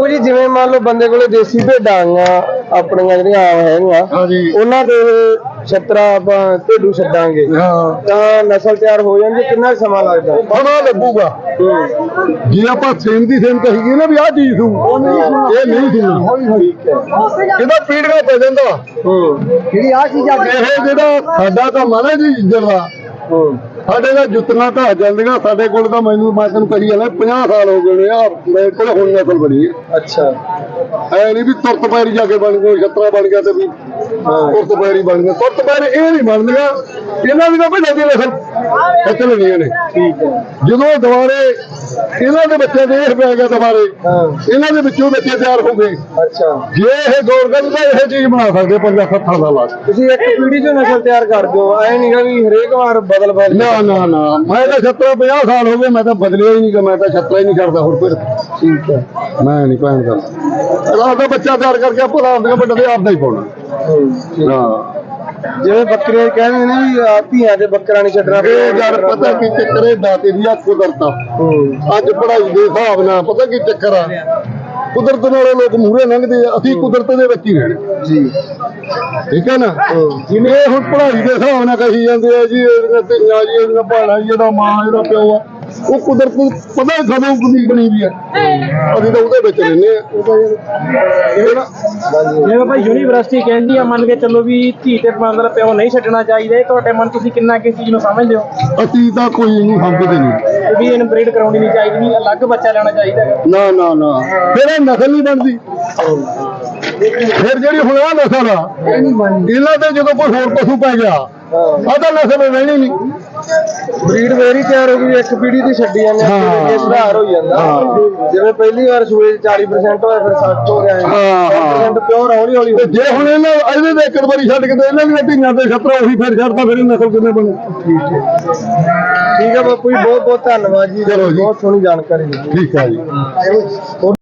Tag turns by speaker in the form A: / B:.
A: ਬਾਪੂ ਜੀ ਜਿਵੇਂ ਮੰਨ ਲਓ ਬੰਦੇ ਕੋਲੇ ਦੇਸੀ ਭੇਡਾਂ ਆਈਆਂ ਆਪਣੀਆਂ ਜਿਹੜੀਆਂ ਹੈਗੀਆਂ ਉਹਨਾਂ ਦੇ ਛਤਰਾ ਆਪਾਂ ਭੇਡੂ ਛੱਡਾਂਗੇ ਤਾਂ ਨਸਲ ਤਿਆਰ ਹੋ ਜਾਂਦੀ, ਕਿੰਨਾ ਸਮਾਂ ਲੱਗਦਾ?
B: ਬੜਾ ਲੱਗੂਗਾ ਜੇ ਆਪਾਂ ਸੇਮ ਦੀ ਸੇਮ ਕਹੀਏ ਨਾ ਵੀ ਆਹ ਚੀਜ਼ ਸੂ ਇਹ ਨਹੀਂ ਸੁਣਨਾ। ਇਹਦਾ ਪੀੜੀਆਂ ਪੈ ਜਾਂਦਾ
A: ਜਿਹੜੀ ਆਹ ਚੀਜ਼
B: ਇਹ ਜਿਹੜਾ ਸਾਡਾ ਕੰਮ ਆ ਨਾ ਜੀ ਇੱਜ਼ਤ ਦਾ ਸਾਡੇ ਦਾ ਜੁੱਤੀਆਂ ਢਾਹ ਜਾਂਦੀਆਂ ਸਾਡੇ ਕੋਲ ਤਾਂ ਮੈਂ ਤੈਨੂੰ ਕਹੀ ਜਾਂਦਾ 50 ਸਾਲ ਹੋ ਗਏ ਨੇ ਆ ਮੇਰੇ ਕੋਲ ਹੁਣ ਨਸਲ ਬਣੀ ਹੈ।
A: ਅੱਛਾ
B: ਐ ਨਹੀਂ ਵੀ ਤੁਰਤ ਪੈਰੀ ਜਾ ਕੇ ਬਣ ਗਏ ਛਤਰਾ ਬਣ ਗਿਆ ਤੇ ਵੀ ਤੁਰਤ ਪੈਰੀ ਬਣ ਗਿਆ, ਤੁਰਤ ਪੈਰ ਇਹ ਨਹੀਂ ਬਣਦੀਆਂ ਇਹਨਾਂ ਦੀ ਤਾਂ ਭੇਡਾਂ ਦੀ ਨਸਲ ਖਿੱਚ ਲੈਣੀਆਂ ਨੇ। ਜਦੋਂ ਦੁਬਾਰੇ ਇਹਨਾਂ ਦੇ ਬੱਚੇ ਦੇ ਇਹ ਪੈ ਗਿਆ ਦੁਬਾਰੇ ਇਹਨਾਂ ਦੇ ਵਿੱਚੋਂ ਬੱਚੇ ਤਿਆਰ ਹੋ ਗਏ।
A: ਅੱਛਾ
B: ਜੇ ਇਹ ਗੌਰ ਕਰਦੇ ਤਾਂ ਇਹ ਚੀਜ਼ ਬਣਾ ਸਕਦੇ 50-60 ਸਾਲਾਂ ਬਾਅਦ।
A: ਤੁਸੀਂ ਇੱਕ ਪੀੜੀ ਚੋਂ ਨਸਲ ਤਿਆਰ ਕਰ ਦਿਓ, ਐ ਨਹੀਂ ਗਾ ਵੀ ਹਰੇਕ ਵਾਰ ਬਦਲ
B: ਨਾ ਨਾ ਨਾ ਮੈਂ ਤਾਂ ਛਤਰਾ 50 ਸਾਲ ਹੋ ਗਏ ਮੈਂ ਤਾਂ ਬਦਲਿਆ ਹੀ ਨਹੀਂ ਕਿ ਮੈਂ ਤਾਂ ਛਤਰਾ ਹੀ ਨਹੀਂ ਕਰਦਾ ਹੋਰ ਫਿਰ।
A: ਠੀਕ ਹੈ
B: ਮੈਂ ਨਹੀਂ ਭੈਣ ਕਰਦਾ ਰਾਤ ਦਾ ਬੱਚਾ ਤਿਆਰ ਕਰਕੇ ਆਪਾਂ ਰਾਤ ਦੇ ਵੱਡੇ ਦੇ ਆਪਦਾ ਹੀ ਪਾਉਣਾ। ਹਾਂ
A: ਜਿਵੇਂ ਬੱਕਰੇ ਕਹਿੰਦੇ ਨੇ ਵੀ ਧੀਆਂ ਤੇ ਬੱਕਰਾ ਨਹੀਂ ਛੱਡਣਾ।
B: ਇਹ ਯਾਰ ਪਤਾ ਕੀ ਚੱਕਰ ਹੈ ਦਾਤੇ ਦੀ ਕੁਦਰਤ ਅੱਜ ਪੜ੍ਹਾਈ ਦੇ ਹਿਸਾਬ ਨਾਲ ਪਤਾ ਕੀ ਚੱਕਰ ਆ ਕੁਦਰਤ ਨਾਲੇ ਲੋਕ ਮੂਹਰੇ ਲੰਘਦੇ ਆ, ਅਸੀਂ ਕੁਦਰਤ ਦੇ ਵਿੱਚ ਹੀ ਰਹਿਣਾ ਜੀ। ਠੀਕ ਹੈ ਨਾ ਜਿਵੇਂ ਹੁਣ ਪੜ੍ਹਾਈ ਦੇ ਹਿਸਾਬ ਨਾਲ ਕਹੀ ਜਾਂਦੇ ਆ ਜੀ ਇਹਦੀਆਂ ਧੀਆਂ ਜੀ ਇਹਦੀਆਂ ਭੈਣਾਂ ਜੀ ਇਹਦਾ ਮਾਂ ਇਹਦਾ ਪਿਓ ਆ, ਉਹ ਕੁਦਰਤ ਪਤਾ ਕਦੋਂ ਕੁਦੀ ਬਣੀ ਵੀ ਆ ਅਸੀਂ ਤਾਂ ਉਹਦੇ ਵਿੱਚ ਰਹਿੰਦੇ ਆ।
C: ਜਿਵੇਂ ਭਾਈ ਯੂਨੀਵਰਸਿਟੀ ਕਹਿੰਦੀ ਆ ਮੰਨ ਕੇ ਚੱਲੋ ਵੀ ਧੀ ਤੇ ਮਤਲਬ ਪਿਓ ਨਹੀਂ ਛੱਡਣਾ ਚਾਹੀਦਾ, ਤੁਹਾਡੇ ਮਨ ਤੁਸੀਂ ਕਿੰਨਾ ਕਿਸ ਚੀਜ਼ ਨੂੰ ਸਮਝਦੇ ਹੋ?
B: ਅਸੀਂ ਤਾਂ ਕੋਈ ਨਹੀਂ ਸਮਝਦੇ ਨਹੀਂ
C: ਵੀ ਇਹਨੂੰ ਬਰੀਡ ਕਰਾਉਣੀ ਨਹੀਂ ਚਾਹੀਦੀ, ਵੀ ਅਲੱਗ ਬੱਚਾ ਲੈਣਾ ਚਾਹੀਦਾ ਹੈ।
B: ਨਾ ਨਾ ਨਾ ਫਿਰ ਇਹ ਨਸਲ ਨਹੀਂ ਬਣਦੀ। ਫਿਰ ਜਿਹੜੀ ਹੁਣ ਆ ਨਸਲ ਆ ਇਹਨਾਂ ਤੇ ਜਦੋਂ ਕੋਈ ਹੋਰ ਪਸ਼ੂ ਪੈ ਗਿਆ ਆਦਾ ਨਸਲ ਰਹਿਣੀ ਨਹੀਂ।
A: ਬਰੀਡ ਮੇਰੀ ਤਿਆਰ ਹੋ ਗਈ, ਇੱਕ ਪੀੜੀ ਦੀ ਛੱਡੀ ਜਾਂਦੇ ਅੱਗੇ ਸੁਧਾਰ ਹੋ ਜਾਂਦਾ। ਜਿਵੇਂ ਪਹਿਲੀ ਵਾਰ ਸੂਏ 40% ਹੋਇਆ ਫਿਰ 60 ਹੋ ਗਿਆ 60% ਪਿਓਰ ਹੌਲੀ ਹੌਲੀ।
B: ਜੇ ਹੁਣ ਇਹਨਾਂ ਇਹਦੇ ਦੇ ਇੱਕ ਵਾਰੀ ਛੱਡ ਕੇ ਤੇ ਇਹਨਾਂ ਦੀਆਂ ਧੀਆਂ ਤੇ ਛਤਰਾ ਉਹੀ ਫਿਰ ਛੱਡਦਾ ਫਿਰ ਇਹ ਨਸਲ ਕਿੰਨੇ ਬਣੂ।
A: ਠੀਕ ਹੈ ਬਾਪੂ ਜੀ ਬਹੁਤ ਬਹੁਤ ਧੰਨਵਾਦ ਜੀ, ਬਹੁਤ ਸੋਹਣੀ ਜਾਣਕਾਰੀ ਦਿੱਤੀ।
B: ਠੀਕ ਹੈ ਜੀ।